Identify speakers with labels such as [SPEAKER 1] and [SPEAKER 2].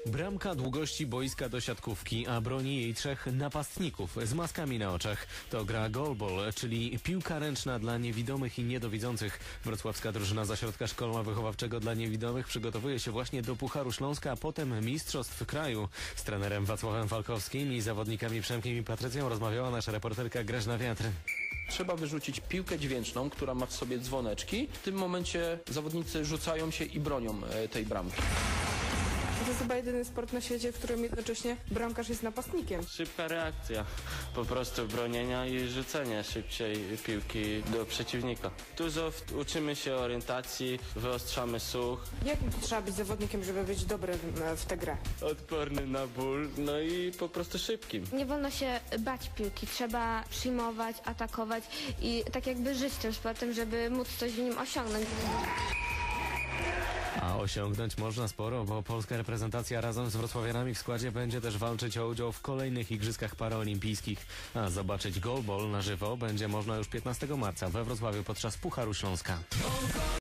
[SPEAKER 1] Bramka długości boiska do siatkówki, a broni jej 3 napastników z maskami na oczach. To gra goalball, czyli piłka ręczna dla niewidomych i niedowidzących. Wrocławska drużyna z ośrodka szkolno-wychowawczego dla niewidomych przygotowuje się właśnie do Pucharu Śląska, a potem Mistrzostw Kraju. Z trenerem Wacławem Falkowskim i zawodnikami Przemkiem i Patrycją rozmawiała nasza reporterka Grażna Wiatr.
[SPEAKER 2] Trzeba wyrzucić piłkę dźwięczną, która ma w sobie dzwoneczki. W tym momencie zawodnicy rzucają się i bronią tej bramki.
[SPEAKER 3] To jest chyba jedyny sport na świecie, w którym jednocześnie bramkarz jest napastnikiem.
[SPEAKER 4] Szybka reakcja, po prostu bronienia i rzucenia szybciej piłki do przeciwnika. Dużo uczymy się orientacji, wyostrzamy słuch.
[SPEAKER 3] Jakim trzeba być zawodnikiem, żeby być dobrym w tę grę?
[SPEAKER 4] Odporny na ból, no i po prostu szybkim.
[SPEAKER 5] Nie wolno się bać piłki, trzeba przyjmować, atakować i tak jakby żyć tym sportem, żeby móc coś w nim osiągnąć.
[SPEAKER 1] A osiągnąć można sporo, bo polska reprezentacja razem z wrocławianami w składzie będzie też walczyć o udział w kolejnych Igrzyskach Paraolimpijskich. A zobaczyć goalball na żywo będzie można już 15 marca we Wrocławiu podczas Pucharu Śląska.